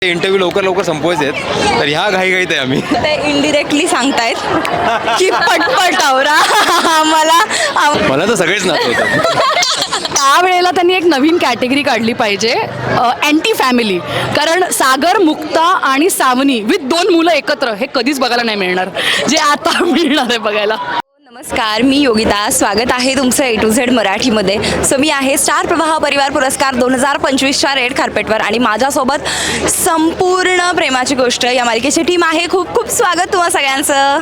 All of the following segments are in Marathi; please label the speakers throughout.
Speaker 1: इंटरव्ह्यू लवकर लवकर संपवायचे आहेत, तर ह्या घाईघाईत आहे आम्ही.
Speaker 2: ते इनडिरेक्टली सांगतायत की पटपट आवरा.
Speaker 1: मला तर सगळेच नाचवतात.
Speaker 3: त्यावेळेला त्यांनी एक नवीन कॅटेगरी काढली पाहिजे, अँटी फॅमिली. कारण सागर, मुक्ता आणि सावनी विथ 2 मुलं एकत्र हे कधीच बघायला नाही मिळणार, जे आता मिळणार आहे बघायला.
Speaker 2: नमस्कार, मी योगिता. स्वागत आहे तुमचं A to Z मराठीमध्ये. सो मी आहे स्टार प्रवाह परिवार पुरस्कार 2025च्या रेड कार्पेटवर आणि माझ्यासोबत संपूर्ण प्रेमाची गोष्ट या मालिकेची टीम आहे. खूप खूप स्वागत तुम्हा सगळ्यांचं.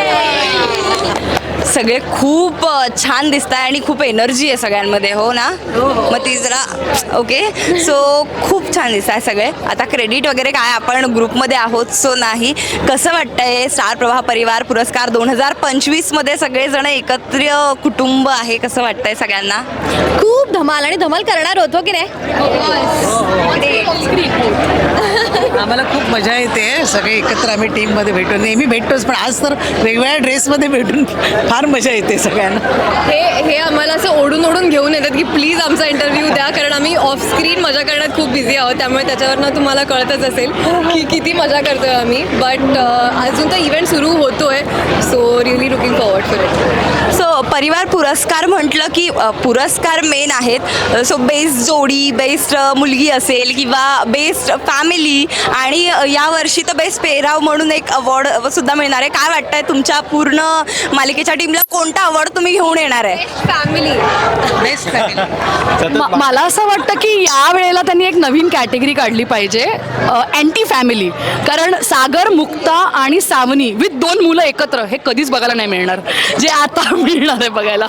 Speaker 2: सगळे खूप छान दिसत आहे आणि खूप एनर्जी आहे सगळ्यांमध्ये, हो ना? मग ती जरा ओके. सो खूप छान दिसत आहे सगळे. आता क्रेडिट वगैरे काय, आपण ग्रुपमध्ये आहोत सो नाही. कसं वाटतंय स्टार प्रवाह परिवार पुरस्कार 2025मध्ये सगळेजण एकत्र कुटुंब आहे, कसं वाटतंय सगळ्यांना?
Speaker 4: खूप धमाल आणि धमाल करणार होतो की नाही.
Speaker 5: आम्हाला खूप मजा येते. सगळे एकत्र आम्ही टीममध्ये भेटतो, नेहमी भेटतोच, पण आज तर वेगवेगळ्या ड्रेसमध्ये भेटून फार मजा येते सगळ्यांना.
Speaker 4: हे आम्हाला असं ओढून ओढून घेऊन येतात की प्लीज आमचा इंटरव्ह्यू द्या, कारण आम्ही ऑफ स्क्रीन मजा करण्यात खूप बिझी आहोत. त्यामुळे त्याच्यावरनं तुम्हाला कळतच असेल की किती मजा करतोय आम्ही. बट अजून तर इव्हेंट सुरू होतोय, so really looking forward for it.
Speaker 2: So परिवार पुरस्कार म्हटलं की पुरस्कार मेन आहेत. सो बेस्ट जोडी, बेस्ट मुलगी असेल किंवा बेस्ट फॅमिली, आणि यावर्षी तर बेस्ट पेहराव म्हणून एक अवॉर्ड सुद्धा मिळणार आहे. काय वाटतंय तुमच्या पूर्ण मालिकेच्या टीमला कोणता अवॉर्ड तुम्ही घेऊन येणार आहे?
Speaker 4: फॅमिली.
Speaker 5: Best family.
Speaker 3: मला असं वाटतं की या वेळेला त्यांनी एक नवीन कॅटेगरी काढली पाहिजे, अँटी फॅमिली. कारण सागर, मुक्ता आणि सावनी विथ 2 मुलं एकत्र हे कधीच बघायला नाही मिळणार, जे आता मिळणार आहे बघायला.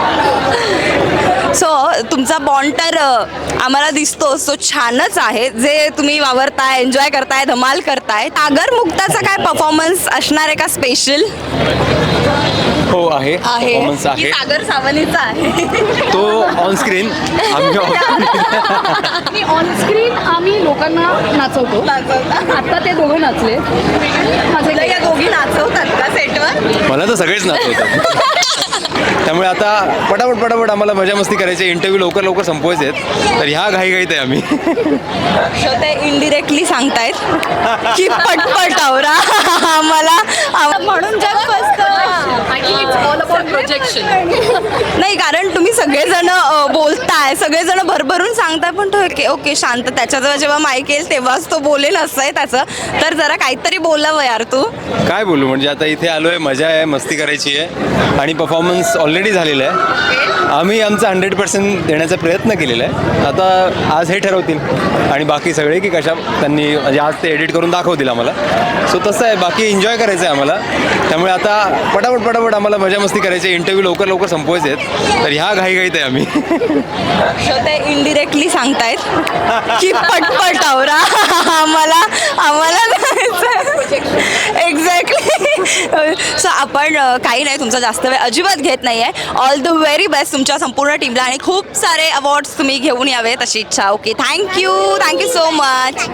Speaker 2: सो तुमचा बॉन्ड तर आम्हाला दिसतो सो छानच आहे. जे तुम्ही वावरताय, एन्जॉय करताय, धमाल करताय. सागर मुक्ताचा काय परफॉर्मन्स असणार आहे का स्पेशल?
Speaker 1: हो आहे, परफॉर्मन्स
Speaker 2: की
Speaker 1: आहे.
Speaker 2: सागर सावनीचा आहे?
Speaker 1: तो ऑन स्क्रीन, आम्ही
Speaker 3: आणि ऑन स्क्रीन आम्ही लोकांना नाचवतो. आता ते दोघं नाचले.
Speaker 2: तुला या दोघी नाचवतात का सेटवर?
Speaker 1: मला तर सगळेच नाचवतात. त्यामुळे आता पटापट आम्हाला मजा मस्ती करायची, इंटरव्ह्यू लवकर लवकर संपवायचे आहेत, तर ह्या घाईघाईत आहे आम्ही.
Speaker 2: सो ते इनडिरेक्टली सांगतायत की पटपट आवरा. म्हणून जग
Speaker 3: प्रोजेक्शन.
Speaker 2: नाही, कारण तुम्ही सगळेजण बोलताय, सगळेजण भरभरून सांगताय, पण तो ओके शांत. त्याच्याजवळ जेव्हा माईक येईल तेव्हाच तो बोलेल असं आहे त्याचं. तर जरा काहीतरी बोलावं यार तू.
Speaker 1: काय बोलू, म्हणजे आता इथे आलो आहे, मजा आहे, मस्ती करायची आहे आणि परफॉर्मन्स ऑलरेडी झालेला आहे. आम्ही आमचा 100% देण्याचा प्रयत्न केलेला आहे. आता आज हे ठरवतील आणि बाकी सगळे की कशा त्यांनी, म्हणजे आज ते एडिट करून दाखवतील आम्हाला. सो तसं आहे, बाकी एन्जॉय करायचं आहे आम्हाला. त्यामुळे आता पटापट आम्हाला मजा मस्ती करायची, इंटरव्ह्यू लवकर लवकर संपवायचे आहेत, तर ह्या घाईघाईत आहे आम्ही.
Speaker 2: सो ते इनडिरेक्टली सांगतायत की पटपट आवरा. आम्हाला एक्झॅक्टली. सो आपण काही नाही, तुमचा जास्त वेळ अजिबात घेत नाही आहे. ऑल द व्हेरी बेस्ट तुमच्या संपूर्ण टीमला आणि खूप सारे अवॉर्ड्स तुम्ही घेऊन यावेत अशी इच्छा. Okay, thank you so much.